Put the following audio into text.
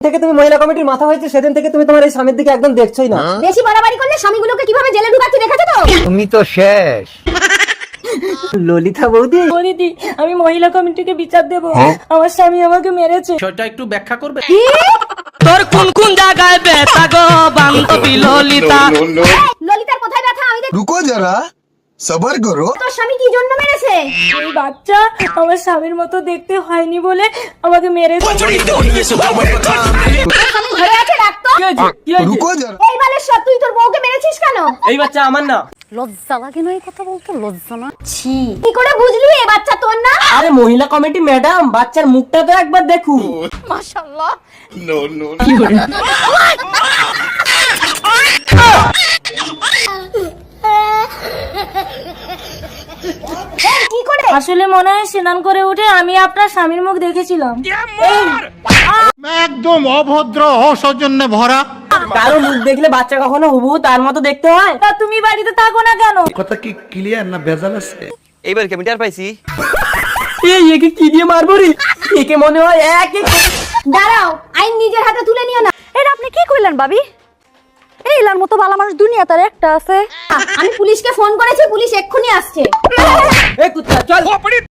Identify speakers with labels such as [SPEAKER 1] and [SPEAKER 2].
[SPEAKER 1] থেকে তুমি মহিলা কমিটির মাথা হয়েছে সেদিন থেকে তুমি তোমার এই স্বামীর দিকে একদম দেখছোই না।
[SPEAKER 2] বেশি বাড়াবাড়ি করলে স্বামীগুলোকে কিভাবে জেলে ঢুকাচ্ছি দেখেছো তো?
[SPEAKER 3] তুমি তো শেষ।
[SPEAKER 1] ললিতা বৌদি,
[SPEAKER 4] দিদি আমি মহিলা কমিটিকে বিচার দেব, আমার স্বামী আমাকে মেরেছে।
[SPEAKER 5] সেটা একটু ব্যাখ্যা করবে?
[SPEAKER 6] তোর কোন কোন জায়গায় ব্যথা গো বান্ধবী ললিতা?
[SPEAKER 2] ললিতার কোথায় ব্যথা আমি দেখি।
[SPEAKER 7] रुको जरा सबर करो।
[SPEAKER 2] তোর স্বামী কি জন্য মেরেছে?
[SPEAKER 4] এই বাচ্চা আমার স্বামীর মতো দেখতে হয়নি বলে আমাকে মেরেছে।
[SPEAKER 2] তোর স্বামী ঘরে আছে, ডাকতো।
[SPEAKER 7] रुको जरा।
[SPEAKER 2] এই বালেশ্বর, তুই তোর বউকে মেরেছিস কেন?
[SPEAKER 1] এই বাচ্চা আমার না।
[SPEAKER 2] লজ্জা লাগে না এই কথা বলতে? লজ্জা না? ছি, কি করে বুঝলি এই বাচ্চা তোর না?
[SPEAKER 1] আরে মহিলা কমিটি ম্যাডাম, বাচ্চার মুখটা তো একবার দেখুন।
[SPEAKER 2] মাশাআল্লাহ। এই, কি করে?
[SPEAKER 4] আসলে মনে হয় স্নান করে উঠে আমি আপনার স্বামীর মুখ দেখেছিলাম।
[SPEAKER 5] একদম অভদ্র, অসৌজন্যে ভরা।
[SPEAKER 1] কারো মুখ দেখলে বাচ্চা কখনো হুবহু তার মতো দেখতে হয়?
[SPEAKER 4] তা তুমি বাড়িতে থাকো না কেন?
[SPEAKER 5] কথা কি ক্লিয়ার না ভেজাল আছে?
[SPEAKER 3] এইবার কি আমি টের পাইছি?
[SPEAKER 1] এই একে কি দিয়ে মারবো রে? একে মনে হয় এক এক।
[SPEAKER 2] দাঁড়াও, আইন নিজের হাতে তুলে নিও না।
[SPEAKER 8] এটা আপনি কি কইলেন ভাবি? এই লার মতো ভালো মানুষ দুনিয়া তার একটা আছে।
[SPEAKER 2] আমি পুলিশকে ফোন করেছি, পুলিশ এক্ষুনি আসছে।
[SPEAKER 1] এই কুত্তা চল।